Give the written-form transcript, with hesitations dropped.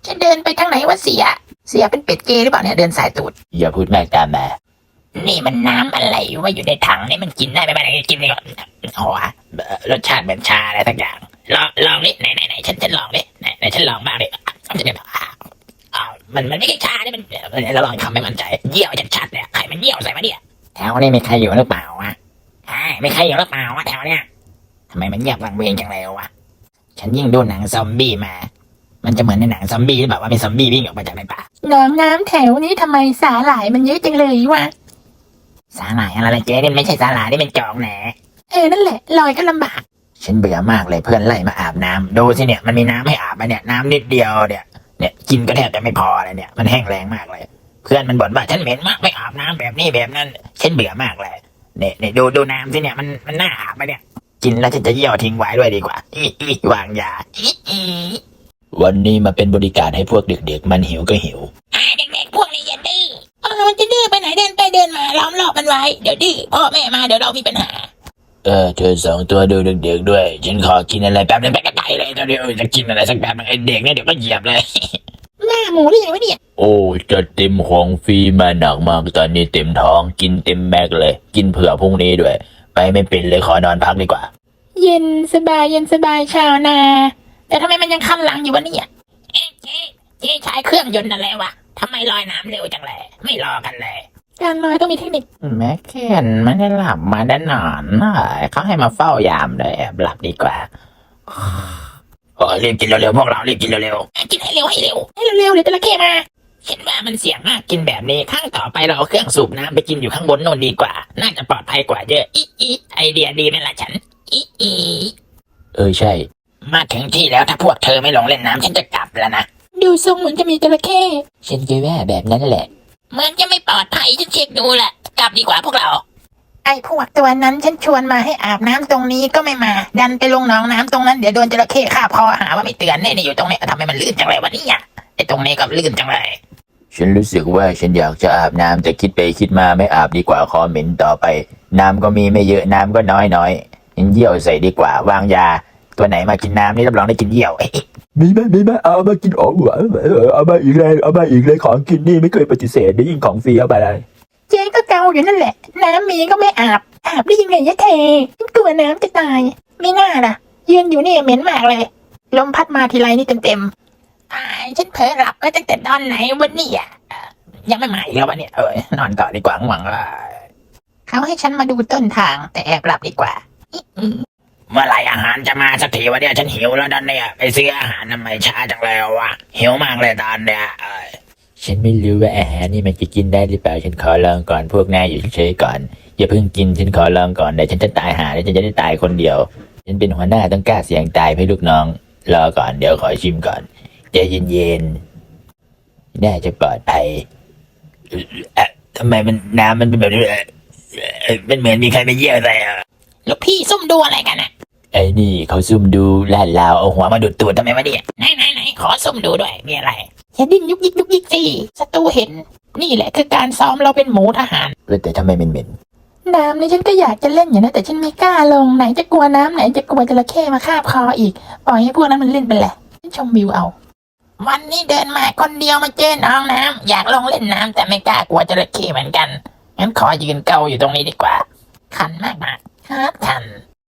ฉันเดินไปทางไหนวะเสียเป็นเป็ดเกย์หรือเปล่าเนี่ยเดินสายตูดอย่าพูดมากตามมานี่มันน้ำอะไรวะอยู่ในถังนี่มันกินได้ไหมมันกินได้ก่อนโอ้รสชาติเหมือนชาอะไรสักอย่างลองดิไหนฉันลองดิไหนฉันลองบ้างดิมันไม่ใช่ชาเนี่ยมันเราลองทำให้มันใจเยี่ยวชัดๆเนี่ยใครมันเยี่ยวใส่มาเนี่ยแถวนี้มีใครอยู่หรือเปล่าวะไม่ใครอยู่หรือเปล่าวะแถวเนี้ยทำไมมันเงียบวังเวงจังเลยวะฉันยิ่งดูหนังซอมบี้มามันจะเหมือนในหนังซอมบี้หรือเปล่าว่ามีซอมบี้วิ่งออกมาจากในป่าน้ำแถวนี้ทำไมสาหร่ายมันเยอะจังเลยวะสาหร่ายอะไรเจ๊นี่ไม่ใช่สาหร่ายนี่เป็นจอกแหนนั่นแหละลอยก็ลำบากฉันเบื่อมากเลยเพื่อนไล่มาอาบน้ำดูสิเนี่ยมันมีน้ำให้อาบมาเนี่ยน้ำนิดเดียวเนี่ยกินก็แทบจะไม่พอเลยเนี่ยมันแห้งแรงมากเลยเพื่อนมันบ่นว่าฉันเหม็นมากไม่อาบน้ำแบบนี้แบบนั้นฉันเบื่อมากเลยเนี่ยดูน้ำสิเนี่ยมันน่าอาบไหมเนี่ยกินแล้วฉันจะเยี่ยวทิ้งไว้ด้วยดีกว่าวางยาวันนี้มาเป็นบริการให้พวกเด็กๆมันหิวก็หิวเด็กๆพวกนี้อย่าดื้อมันจะดื้อไปไหนเดินไปเดินมาล้อมรอบมันไว้เดี๋ยวดื้อพ่อแม่มาเดี๋ยวเรามีปัญหาเธอสองตัวดูเด็กๆด้วยฉันขอกินอะไรแป๊บนึงไปไกลๆเลยตอนนี้จะกินอะไรสักแป๊บนึงไอเด็กเนี่ยเดี๋ยวก็เหยียบเลยหน้าหมูหรือยังวะเนี่ยโอ้จะเต็มของฟรีมาหนักมากตอนนี้เต็มท้องกินเต็มแม็กเลยกินเผื่อพรุ่งนี้ด้วยไปไม่เป็นเลยขอนอนพักดีกว่าเย็นสบายชาวนาแต่ทำไมมันยังคันหลังอยู่วะเนี่ยเจ๊ใช้เครื่องยนต์อะไรวะทำไมลอยน้ำเร็วจังเลยไม่รอกันเลยการลอยต้องมีเทคนิคแม่เคนไม่ได้หลับมาได้นอนเขาให้มาเฝ้ายามเลยหลับดีกว่ารีบกินเร็วๆพวกเรารีบกินเร็วๆกินให้เร็วเดี๋ยวจระเข้มาเห็นว่ามันเสี่ยงมากกินแบบนี้ครั้งต่อไปเราเอาเครื่องสูบน้ำไปกินอยู่ข้างบนโน่นดีกว่าน่าจะปลอดภัยกว่าเยอะไอเดียดีไหมล่ะฉันใช่มาถึงที่แล้วถ้าพวกเธอไม่ลงเล่นน้ำฉันจะกลับแล้วนะดูทรงเหมือนจะมีจระเข้ฉันคิดว่าแบบนั้นแหละเหมือนจะไม่ปลอดภัยฉันเช็คดูแหละกลับดีกว่าพวกเราไอ้พวกตัวนั้นฉันชวนมาให้อาบน้ำตรงนี้ก็ไม่มาดันไปลงหนองน้ำตรงนั้นเดี๋ยวโดนจระเข้ฆ่าพอหาว่าไม่เตือนนี่อยู่ตรงนี้ทำไมมันลื่นจังเลยวันนี้ไอ้ตรงนี้ก็ลื่นจังเลยฉันรู้สึกว่าฉันอยากจะอาบน้ำแต่คิดไปคิดมาไม่อาบดีกว่าคอเหม็นต่อไปน้ำก็มีไม่เยอะน้ำก็น้อยฉันเยี่ยวใส่ดีกว่าวางยาตัวไหนมากินน้ำนี่รับรองได้กินเยี่ยวมีไหมเอามากินเอามาอีกเลยของกินนี่ไม่เคยปฏิเสธได้ยิ่งของฟรีเอาไปเลยเจ๊ก็เกาอยู่นั่นแหละน้ำมีก็ไม่อาบได้ยังไงยะเทกลัวน้ำจะตายไม่น่าล่ะยืนอยู่นี่เหม็นมากเลยลมพัดมาทีไรนี่เต็มฉันเผลอหลับไปตั้งแต่ตอนไหนวันนี้ยังไม่มาอีกแล้ววันนี้นอนต่อดีกว่าหวังว่าเขาให้ฉันมาดูต้นทางแต่แอบหลับดีกว่าเมื่อไหร่อาหารจะมาสักทีวะเนี่ยฉันหิวแล้วตอนนี้ไปซื้ออาหารทำไมช้าจังเลยวะหิวมากเลยตอนเนี้ยฉันไม่รู้ว่าอาหารนี่มันจะกินได้หรือเปล่าฉันขอลองก่อนพวกนายอยู่เฉยๆก่อนอย่าเพิ่งกินฉันขอลองก่อนเดี๋ยวฉันจะตายหาแล้วฉันจะได้ตายคนเดียวฉันเป็นหัวหน้าต้องกล้าเสี่ยงตายให้ลูกน้องรอก่อนเดี๋ยวขอชิมก่อนใจเย็นๆน่าจะปลอดภัยทำไมมันน้ำมันเป็นแบบนี้มันเหมือนมีใครมาเยี่ยวใส่ลูกพี่ซุ่มดูอะไรกันไอ้นี่เขาซุ่มดูลาดลาวเอาหัวมาดูดตูดทำไมวะเนี่ยไหนขอซุ่มดูด้วยมีอะไรอย่าดิ้นยุกยิกสิศัตรูเห็นนี่แหละคือการซ้อมเราเป็นหมูทหารแต่ทำไมเหม็นน้ำนี่ฉันก็อยากจะเล่นอยู่นะแต่ฉันไม่กล้าลงไหนจะกลัวน้ำไหนจะกลัวจระเข้มาคาบคออีกปล่อยให้พวกนั้นมันเล่นไปแหละฉันชมวิวเอาวันนี้เดินมาคนเดียวมาเจอน้องน้ำอยากลงเล่นน้ำแต่ไม่กล้ากลัวจระเข้เหมือนกันงั้นขอยืนเกาอยู่ตรงนี้ดีกว่าคันมากคัน